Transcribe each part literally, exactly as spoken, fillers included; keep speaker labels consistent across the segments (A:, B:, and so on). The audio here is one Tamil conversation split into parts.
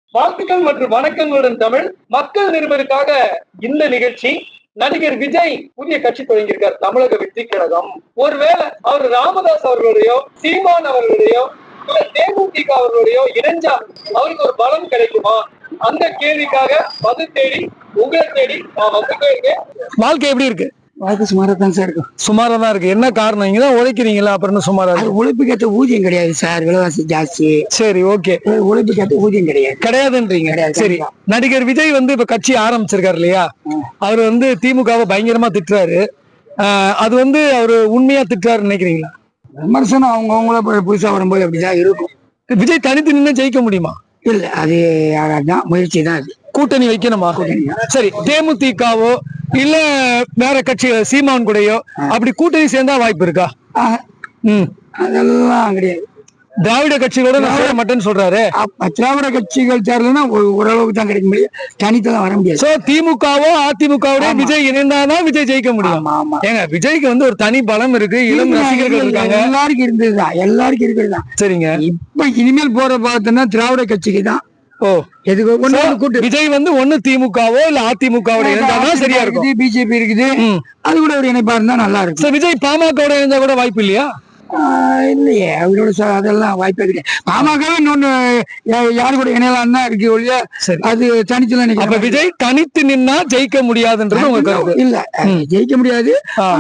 A: வாழ்த்துக்கள் மற்றும் வணக்கங்களுடன் தமிழ் மக்கள் நிருபருக்காக இந்த நிகழ்ச்சி. நடிகர் விஜய் புதிய கட்சி தொடங்கியிருக்கார், தமிழக வெற்றி கழகம். ஒருவேளை அவர் ராமதாஸ் அவர்களுடையோ சீமான் அவர்களுடையோ இல்ல தேமுதிக அவர்களுடையோ இணைஞ்சா அவருக்கு ஒரு பலம் கிடைக்குமா? அந்த கேள்விக்காக பதில் தேடி உங்களை தேடி நான் வந்துட்டே இருக்கேன். வாழ்க்கை எப்படி இருக்கு?
B: வாழ்க்கை சுமாரா தான் சார் இருக்கும்.
A: சுமாரா தான் இருக்கு. என்ன காரணம்? இங்க தான் உழைக்கிறீங்களா, அப்புறம் சுமாரா இருக்கு?
B: உழைப்புக்கு ஏற்ற ஊதியம் கிடையாது சார், விலைவாசி ஜாஸ்தி.
A: சரி, ஓகே.
B: உழைப்புக்கு ஏற்ற ஊதியம் கிடையாது
A: கிடையாதுன்றீங்க. சரி, நடிகர் விஜய் வந்து இப்ப கட்சி ஆரம்பிச்சிருக்காரு இல்லையா? அவர் வந்து திமுகவை பயங்கரமா திட்டுறாரு. அது வந்து அவரு உண்மையா திட்டுறாரு நினைக்கிறீங்களா?
B: விமர்சனம் அவங்கவுங்கள புதுசா வரும்போது அப்படிதான் இருக்கும்.
A: விஜய் தனித்து நின்று ஜெயிக்க முடியுமா?
B: இல்ல, அது ஆகாதான், முயற்சி தான். அது
A: கூட்டணி வைக்கணுமா? சரி, தேமுதிகவோ இல்ல வேற கட்சி சீமான் கூடயோ அப்படி கூட்டணி சேர்ந்தா வாய்ப்பு இருக்கா? ம்
B: அதெல்லாம் கிடையாது.
A: திராவிட கட்சிகளோட நான் சேர மாட்டேன்னு சொல்றாரு.
B: திராவிட கட்சிகள் சேரலன்னா ஓரளவுக்கு தான் கிடைக்க முடியும், தனித்தான் வர முடியாது.
A: சோ திமுகவோ அதிமுகவோட விஜய் இணைந்தாதான் விஜய் ஜெயிக்க முடியும். ஏங்க, விஜய்க்கு வந்து ஒரு தனி பலம் இருக்கு, இளம் ரசிகர்கள் இருக்காங்க.
B: எல்லாருக்கும் இருந்ததுதான், எல்லாருக்கும் இருக்கிறதுதான்.
A: சரிங்க,
B: இப்ப இனிமேல் போற பார்த்தோம்னா திராவிட கட்சிக்கு தான்.
A: ஓ, எதுக்கு விஜய் வந்து ஒண்ணு திமுகவோ இல்ல அதிமுகவோட இருந்தாதான் சரியா இருக்கும்.
B: பிஜேபி இருக்குது, அது கூட ஒரு இணைப்பா இருந்தா நல்லா இருக்கும்.
A: விஜய் பாமகவோட இருந்தா கூட வாய்ப்பு இல்லையா?
B: இல்லையே, அவரோட அதெல்லாம் வாய்ப்பே கிடையாது. பாமகவே இன்னொன்னு யாரு கூட இணையலாம் தான் இருக்கு ஒழிய அது தனித்து நினைக்கிறேன்.
A: விஜய் தனித்து நின்னா ஜெயிக்க முடியாதுன்றது உங்க கருத்து?
B: இல்ல, ஜெயிக்க முடியாது.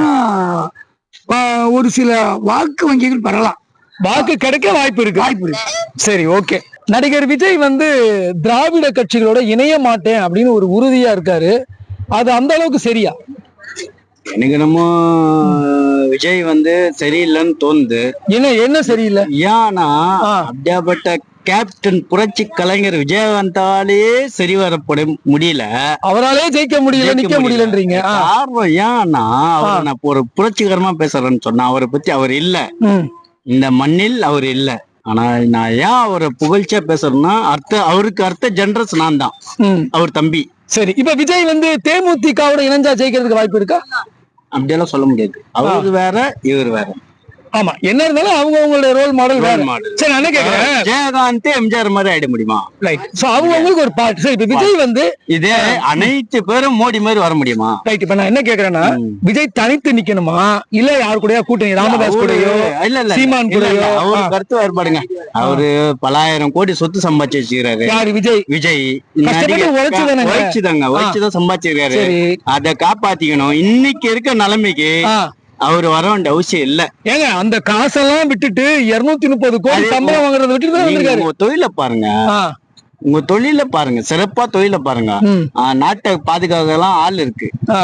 B: ஒரு சில வாக்கு வங்கிகள் பெறலாம்,
A: வாக்கு கிடைக்க வாய்ப்பு இருக்கு.
B: வாய்ப்பு இருக்கு.
A: சரி, ஓகே. நடிகர் விஜய் வந்து திராவிட கட்சிகளோட இணைய மாட்டேன் அப்படின்னு ஒரு உறுதியா இருக்காரு. அது அந்த அளவுக்கு சரியா?
C: எனக்கு நம்ம விஜய் வந்து சரியில்லைன்னு தோணுது.
A: என்ன என்ன சரியில்லை?
C: ஏன்னா அப்படியாப்பட்ட கேப்டன் புரட்சி கலைஞர் விஜயகாந்தாலே சரி வரப்பட முடியல,
A: அவராலே ஜெயிக்க முடியல, நிக்க முடியலன்றீங்க.
C: காரணம் ஏன்னா அவர் நான் ஒரு புரட்சிகரமா பேசுறேன்னு சொன்னா அவரை பத்தி அவர் இல்ல, இந்த மண்ணில் அவர் இல்ல. ஆனா நான் ஏன் அவரை புகழ்ச்சியா பேசுறேன்னா அர்த்த அவருக்கு அர்த்த ஜெனரஸ் நான் தான், அவர் தம்பி.
A: சரி, இப்ப விஜய் வந்து தேமுதிகவோட இணைஞ்சா ஜெயிக்கிறதுக்கு வாய்ப்பு இருக்கா?
C: அப்படியெல்லாம் சொல்ல முடியாது, அவரு வேற இவர் வேற.
A: ஆமா, என்ன இருந்தாலும் அவங்க அவங்களுடைய ரோல் மாடல் வேற. சரி, நான் கேக்குறேன்,
C: ஜெயகாந்த் எம்ஜிஆர் மாதிரி ஆயிட முடியுமா?
A: ரைட். சோ அவங்க அவங்களுக்கு ஒரு பார்ட். சரி, இப்ப விஜய் வந்து
C: இதே அனைத்து பேரும் மோடி மாதிரி வர முடியுமா?
A: ரைட். இப்ப நான் என்ன கேக்குறேன்னா, விஜய் தனித்து நிக்கணுமா இல்ல யாரு கூடயா கூட்டணி, ராமதாஸ் கூடயோ இல்ல இல்ல சீமான் கூடயோ?
C: அவரு கருத்து வேறுபாடுங்க. அவரு பலாயிரம் கோடி சொத்து சம்பாதிச்சு வச்சுக்கிறாரு.
A: யாரு? விஜய்.
C: விஜய்
A: உழைச்சுதாங்க
C: உழைச்சுதாங்க உழைச்சுதான் சம்பாதிச்சிருக்காரு. அதை காப்பாத்திக்கணும். இன்னைக்கு இருக்க நிலைமைக்கு அவரு வர வேண்டிய அவசியம் இல்ல.
A: ஏங்க, அந்த காசெல்லாம் விட்டுட்டு இருநூத்தி முப்பது கோடி சம்பளம் வாங்குறத விட்டுட்டு
C: உங்க தொழில பாருங்க, உங்க தொழில பாருங்க, சிறப்பா தொழில பாருங்க. நாட்டை பாதுகாக்கலாம் ஆள் இருக்கு.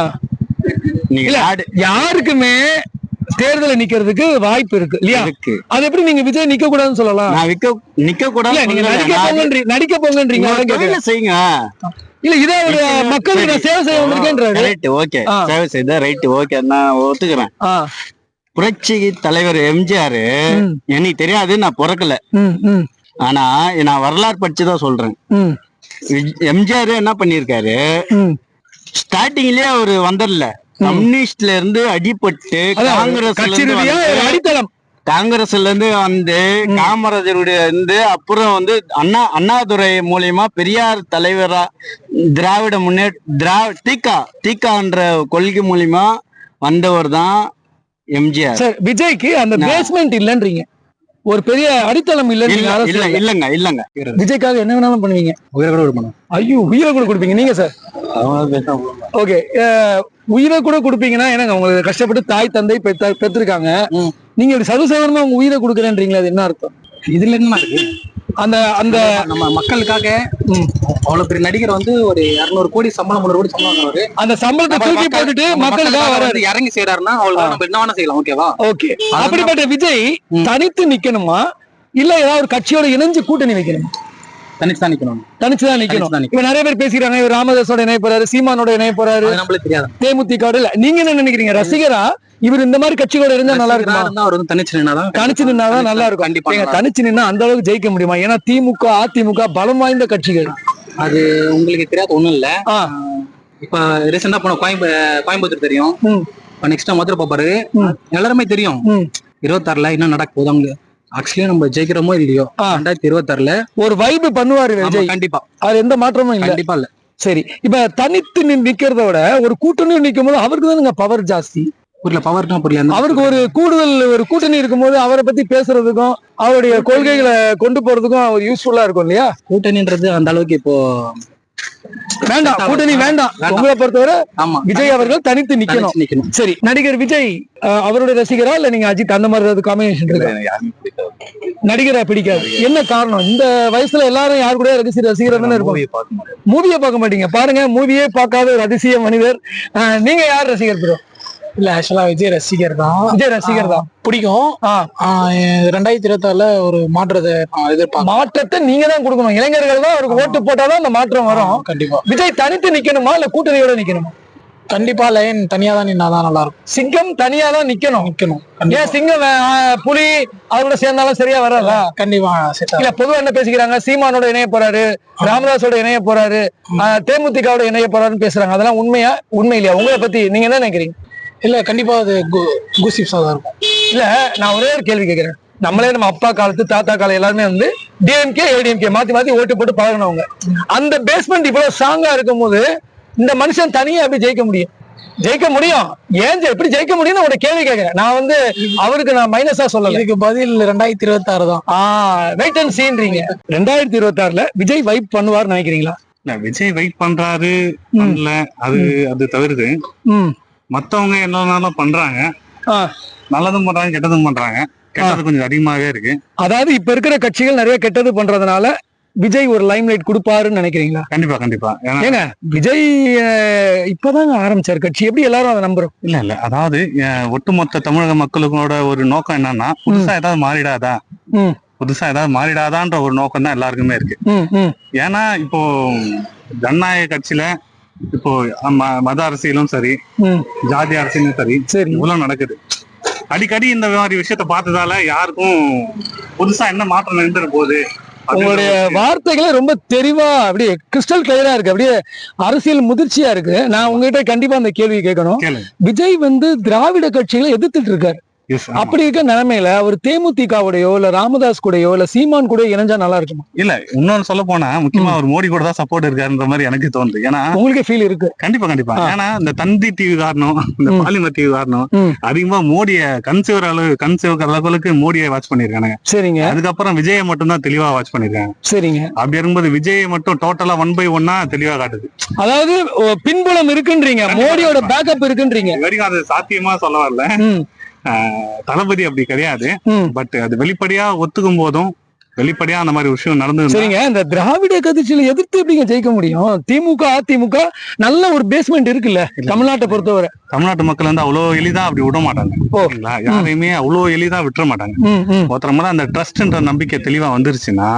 A: யாருக்குமே தேர்தல நிக்கிறதுக்கு வாய்ப்பு இருக்கு இல்லையா? அது எப்படி நீங்க விஜய் நிக்க கூடாதுன்னு சொல்லலாம்?
C: நான் விக்க நிக்க கூடாது,
A: நீங்க நடிக்க போங்கன்றீங்க, நடிக்க போங்கன்றீங்க.
C: செய்யுங்க.
A: இல்ல, இதை ஒரு மக்களுக்கு நான் சேவை செய்ய வந்திருக்கேன்றாரு.
C: ரைட், ஓகே, சேவை செய்த ரைட், ஓகே, நான் ஒத்துக்கிறேன். புரட்சி தலைவர் எம்ஜிஆர் எனக்கு தெரியாது, நான் பிறக்கல. ஆனா நான் வரலாறு படிச்சுதான் சொல்றேன். எம்ஜிஆர் என்ன பண்ணிருக்காரு, ஸ்டார்டிங்லயே அவரு வந்துடல, கம்யூனிஸ்ட்ல இருந்து அடிபட்டு காங்கிரஸ்
A: அடித்தளம்
C: காங்கிரஸ்ல இருந்து வந்து காமராஜருடைய இருந்து அப்புறம் வந்து அண்ணா அண்ணாதுரை மூலியமா பெரியார் தலைவரா திராவிட முன்னேற்ற திராவிட தீகா தீகான்ற கொள்கை மூலியமா வந்தவர் தான் எம்ஜிஆர்.
A: விஜய்க்கு அந்த பேஸ்மெண்ட் இல்லன்றீங்க, ஒரு பெரிய அடித்தளம் இல்ல.
C: இல்ல இல்லங்க இல்லங்க
A: விஜய்க்காக என்ன வேணாலும் பண்ணுவீங்க, உயிரை கூட கொடுப்பீங்க. ஐயோ, உயிரை கூட கொடுப்பீங்க நீங்க சார்? ஓகே, உயிரை கூட கொடுப்பீங்கன்னா என்னங்க, உங்களுக்கு கஷ்டப்பட்டு தாய் தந்தை பெற்றிருக்காங்க, நீங்க இப்படி சர்வசாதாரணமா உங்க உயிரை கொடுக்குறேன்றீங்களா? அது என்ன அர்த்தம்?
D: இதுல என்ன இருக்கு?
A: அந்த அந்த
D: நம்ம மக்களுக்காக அவ்வளவு பெரிய நடிகர் வந்து ஒரு இருநூறு கோடி சம்பளம், முன்னூறு கோடி சம்பளம் வாங்குறாரு.
A: அந்த சம்பளத்தை தூக்கி போட்டுட்டு மக்களுக்காக வராரு,
D: இறங்கி செய்யறாருன்னா அவளுக்கு நம்ம என்ன வேணா செய்யலாம். ஓகேவா?
A: ஓகே. அப்படிப்பட்ட விஜய் தனித்து நிக்கணுமா இல்ல ஏதாவது ஒரு கட்சியோட இணைஞ்சு கூட்டணி வைக்கணுமா?
D: தனிச்சுதான் நிக்கணும்.
A: தனிச்சுதான் நிக்கணும். இப்ப நிறைய பேர் பேசிக்கிறாங்க, இவர் ராமதாஸோட இணைய போறாரு, சீமானோட இணைய போறாரு,
D: நம்மளுக்கு தெரியாது.
A: தேமுதிக இல்ல, நீங்க என்ன நினைக்கிறீங்க? ரசிகரா இவர் இந்த மாதிரி கட்சிகளோட இருந்தா நல்லா இருக்கும்?
D: அவர் வந்து தனிச்சு நின்னாதான்
A: தனிச்சு நின்னாதான் நல்லா இருக்கும். கண்டிப்பா தனிச்சு நின்னா அந்த அளவுக்கு ஜெயிக்க முடியுமா? ஏன்னா திமுக அதிமுக பலம் வாய்ந்த கட்சிகள்.
D: அது உங்களுக்கு தெரியாது ஒண்ணும் இல்ல. இப்ப ரீசெண்டா போன கோயம்பு கோயம்புத்தூர் தெரியும், நெக்ஸ்ட் மதுரை பாப்பாரு, எல்லாருமே தெரியும். இருபத்தி ஆறுல என்ன நடக்க போகுது அவங்க ஆக்சுவலி நம்ம ஜெயிக்கிறோமோ இல்லையோ ரெண்டாயிரத்தி இருபத்தி ஆறுல
B: ஒரு வைப் பண்ணுவாரு விஜய்.
D: கண்டிப்பா
B: அது எந்த மாற்றமும் இல்ல.
D: கண்டிப்பா இல்ல.
B: சரி, இப்ப தனித்து நிக்கிறத விட ஒரு கூட்டணி நிக்கும் போது அவருக்கு தானுங்க பவர் ஜாஸ்தி.
D: புரியல, பவர்னா புரியல.
B: அவருக்கு ஒரு கூடுதல் ஒரு கூட்டணி இருக்கும்போது அவரை பத்தி பேசுறதுக்கும் அவருடைய கொள்கைகளை கொண்டு போறதுக்கும் அவர் யூஸ்ஃபுல்லா இருக்கும் இல்லையா?
D: கூட்டணின்றது அந்த அளவுக்கு இப்போ
B: வேண்டாம், கூட்டணி வேண்டாம். உங்களை பொறுத்தவரை விஜய் அவர்கள் தனித்து நிக்கணும். சரி, நடிகர் விஜய் அவருடைய ரசிகரா இல்ல நீங்க அஜித் அந்த மாதிரி ஏதாவது காம்பினேஷன் இருக்கு? நடிகரை பிடிக்காது. என்ன காரணம்? இந்த வயசுல எல்லாரும் யாரு கூட ரசிகர் ரசிகர் தானே இருக்கும். மூவியை பார்க்க மாட்டீங்க. பாருங்க, மூவியே பார்க்காத ஒரு அதிசய மனிதர். நீங்க யார் ரசிகர் ப்ரோ?
E: இல்ல, ஆக்சுவலா விஜய் ரசிகர் தான்.
B: விஜய் ரசிகர் தான்
E: பிடிக்கும். ரெண்டாயிரத்தி இருபத்தி ஆறுல ஒரு மாற்றத்தை எதிர்பார்க்க.
B: மாற்றத்தை நீங்க தான் கொடுக்கணும். இளைஞர்கள் தான் அவருக்கு ஓட்டு போட்டாதான் அந்த மாற்றம் வரும்.
E: கண்டிப்பா.
B: விஜய் தனித்து நிக்கணுமா இல்ல கூட்டணியோட நிக்கணுமா?
E: கண்டிப்பா லைன் தனியா தான் நின்னாதான் நல்லா இருக்கும்.
B: சிங்கம் தனியா தான் நிக்கணும்.
E: நிக்கணும்.
B: ஏன் சிங்கம் புலி அவரோட சேர்ந்தாலும் சரியா வராதா?
E: கண்டிப்பா.
B: இல்ல, பொதுவா என்ன பேசிக்கிறாங்க, சீமானோட இணைய போறாரு, ராமதாஸோட இணைய போறாரு, தேமுதிகவோட இணைய போறாருன்னு பேசுறாங்க. அதெல்லாம் உண்மையா? உண்மை இல்லையா? உங்களை பத்தி நீங்க என்ன நினைக்கிறீங்க?
E: இல்ல, கண்டிப்பா அது கூசிப்ஸா தான் இருக்கும்.
B: இல்ல, நான் ஒரே ஒரு கேள்வி கேட்கிறேன். நம்மளே நம்ம அப்பா காலத்து தாத்தா காலம் எல்லாருமே வந்து டிஎம்கே ஏடிஎம்கே மாத்தி மாத்தி ஓட்டு போட்டு பழகினவங்க. அந்த பேஸ்மெண்ட் இவ்வளவு ஸ்ட்ராங்கா இருக்கும் போது இந்த மனுஷன் தனியா எப்படி ஜெயிக்க முடியும்? ஜெயிக்க முடியும். ஏன் எப்படி ஜெயிக்க முடியும்னு ஒரு கேள்வி கேட்கிறேன். நான் வந்து அவருக்கு நான் மைனஸா சொல்லல.
E: இதுக்கு பதில் ரெண்டாயிரத்தி இருபத்தி ஆறு தான்.
B: ஆஹ் வெயிட் அண்ட் சீன்றீங்க. ரெண்டாயிரத்தி இருபத்தி ஆறுல விஜய் வைப் பண்ணுவார் நினைக்கிறீங்களா?
F: விஜய் வைப் பண்றாரு பண்ணல, அது அது தவிர்த்து மத்தவங்க என்னன்னாலும் பண்றாங்க. நல்லதும் பண்றாங்க, கெட்டதும் பண்றாங்க. கெட்டது கொஞ்சம் அதிகமாவே இருக்கு.
B: அதாவது இப்ப இருக்கிற கட்சிகள் நிறைய கெட்டது பண்றதுனால விஜய் ஒரு லைம் லைட் கொடுப்பாருன்னு நினைக்கிறீங்களா?
F: கண்டிப்பா கண்டிப்பா.
B: ஏங்க, விஜய் இப்பதாங்க ஆரம்பிச்சாரு கட்சி, எப்படி எல்லாரும் அதை நம்புறோம்?
F: இல்ல இல்ல, அதாவது ஒட்டுமொத்த தமிழக மக்களுக்கோட ஒரு நோக்கம் என்னன்னா, புதுசா ஏதாவது மாறிடாதா, புதுசா ஏதாவது மாறிடாதான்ற ஒரு நோக்கம் தான் எல்லாருக்குமே இருக்கு. ஏன்னா இப்போ ஜனநாயக கட்சியில இப்போ மத அரசியலும் சரி, ஜாதி அரசியலும் சரி, இவ்வளவு நடக்குது. அடிக்கடி இந்த மாதிரி விஷயத்த பார்த்ததால யாருக்கும் புதுசா என்ன மாற்றம் நின்று போகுது.
B: உங்களுடைய வார்த்தைகளே ரொம்ப தெளிவா அப்படியே கிறிஸ்டல் கிளியரா இருக்கு. அப்படியே அரசியல் முதிர்ச்சியா இருக்கு. நான் உங்ககிட்ட கண்டிப்பா அந்த கேள்வி கேட்கணும். விஜய் வந்து திராவிட கட்சிகளை எதிர்த்துட்டு இருக்காரு. அப்படி இருக்க நிலைமையில அவர் தேமுதிகவுடையோ இல்ல ராமதாஸ் கூடயோ இல்ல சீமான் கூட இணைஞ்சா நல்லா இருக்குமா?
F: இல்ல, இன்னொன்னு சொல்ல போனா முக்கியமா அவர் மோடி கூட தான் சப்போர்ட் இருக்காருன்ற மாதிரி எனக்கு தோணுது. ஏன்னா
B: உங்களுக்கு ஃபீல் இருக்கு?
F: கண்டிப்பா கண்டிப்பா. ஏன்னா இந்த தந்தி டிவி காரணம், இந்த பாலிமர் டிவி காரணம் அதிகமா மோடிய கன்சிவர் அளவு கன்சிவர் அளவுக்கு மோடியை வாட்ச் பண்ணிருக்காங்க.
B: சரிங்க.
F: அதுக்கப்புறம் விஜயை மட்டும் தான் தெளிவா வாட்ச் பண்ணிருக்காங்க.
B: சரிங்க.
F: அப்படி இருக்கும்போது விஜயை மட்டும் டோட்டலா ஒன் பை ஒன்னா தெளிவா காட்டுது.
B: அதாவது பின்புலம் இருக்குன்றீங்க, மோடியோட பேக்கப் இருக்குன்றீங்க.
F: வரைக்கும் அது சாத்தியமா சொல்ல வரல. தளபதி அப்படி கிடையாது. பட் அது வெளிப்படையா ஒத்துக்கும் போதும் வெளிப்படையா அந்த மாதிரி விஷயம் நடந்து.
B: சரிங்க, இந்த திராவிட கட்சியில எதிர்த்து எப்படிங்க ஜெயிக்க முடியும்? திமுக அதிமுக நல்ல ஒரு பேஸ்மெண்ட் இருக்குல்ல தமிழ்நாட்டை பொறுத்தவரை.
F: தமிழ்நாட்டு மக்கள் வந்து அவ்வளவு எளிதா அப்படி விட மாட்டாங்க. யாரையுமே அவ்வளவு எளிதா விட்டுற மாட்டாங்க. ஒருத்தர அந்த ட்ரஸ்ட்ன்ற நம்பிக்கை தெளிவா வந்துருச்சுன்னா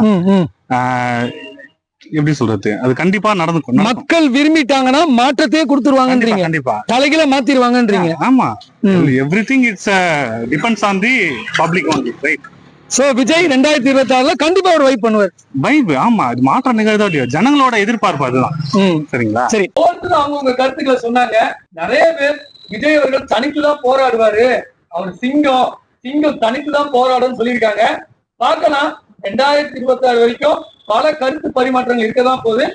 F: எப்படி சொல்றது, அது கண்டிப்பா நடந்து
B: மக்கள் விரும்பிட்டாங்கன்னா மாற்றத்தையே கொடுத்துருவாங்கன்றீங்க.
F: கண்டிப்பா
B: தலைகளை மாத்திருவாங்கன்றீங்க.
F: ஆமா, everything it's depends on the public only, right?
B: So Vijay ரெண்டாயிரத்தி இருபத்தி ஆறுல கண்டிப்பா ஒரு வைப் பண்ணுவார்.
F: வைப், ஆமா, அது மாற்றம் நிகழ்தோ இல்லையோ ஜனங்களோட எதிர்பார்ப்பு அதுதான். சரிங்களா?
B: சரி,
A: அவங்க கருத்துக்களை சொன்னாங்க. நிறைய பேர் விஜய் அவர்கள் தனித்துதான் போராடுவாரு, அவர் சிங்கம் சிங்கம் தனித்துதான் போராடுன்னு சொல்லியிருக்காங்க. பார்க்கலாம், ரெண்டாயிரத்தி இருபத்தி ஆறு வரைக்கும் பல கருத்து பரிமாற்றங்கள் இருக்கதான் போகுது.